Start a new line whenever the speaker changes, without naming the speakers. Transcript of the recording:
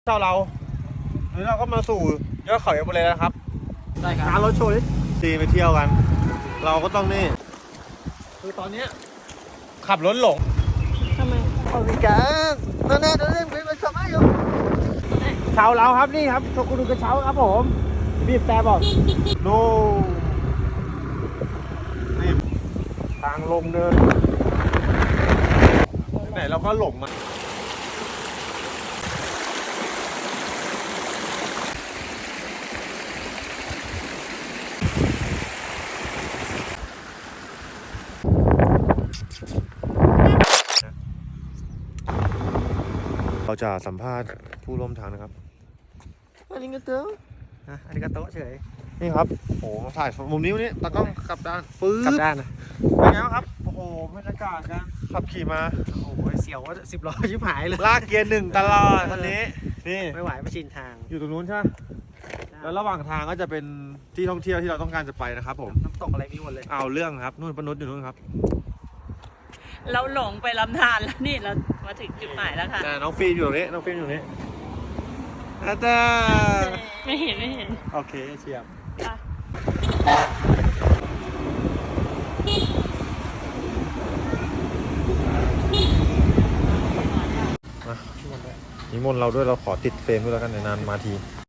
เจ้าเราหรือเราก็มาสู่ยอดเขาเอเวอเรสต์แล้วครับได้ครับการรถโชว์ซีไปเที่ยวกันเราก็ต้องนี่คือตอนนี้ขับรถหลง
ทำไม
เอาสิกันนั่นเล่นเป็นสมัยอยู่เช้าเราครับนี่ครับโชกุนุกระเช้าครับผมบีบแต่บอกโน่นี่ทางลงเนินไหนเราก็หลงมาเราจะสัมภาษณ์ผู้ร่วมทางนะครับอาริกาโตะอาริกาโตะเฉยนี่ครับโอ้โหถ่ายมุมนี้วันนี้ตากล้องกลับด้านปื๊ด
กลับด้านนะ
เป็นไงครับโอ้โหบรรยากาศการขับขี่มา
โอ้โหเสียวว่า10 ล้อชิบหายเลย
ลากเกียร์หนึ่งตลอดตอนนี้นี่
ไม่ไหวไม่ชินทาง
อยู่ตรงนู้นใช่ไหมแล้วระหว่างทางก็จะเป็นที่ท่องเที่ยวที่เราต้องการจะไปนะครับผม
น้ำตกอะไรมีหมดเลย
เอาเรื่องครับนู่นปนุษอยู่นู่นครับ
เราหลงไปลำธารแล้วนี่เรามาถึงจุดหมายแล้วค่ะ
น้องฟิล์มอยู่ตรงนี้น้องฟิล์มอยู่ตรงนี้อาจารย์
ไม่เห็น
โอเคเชียบนิมนต์เราด้วยเราขอติดเฟรมด้วยแล้วกันในนานมาที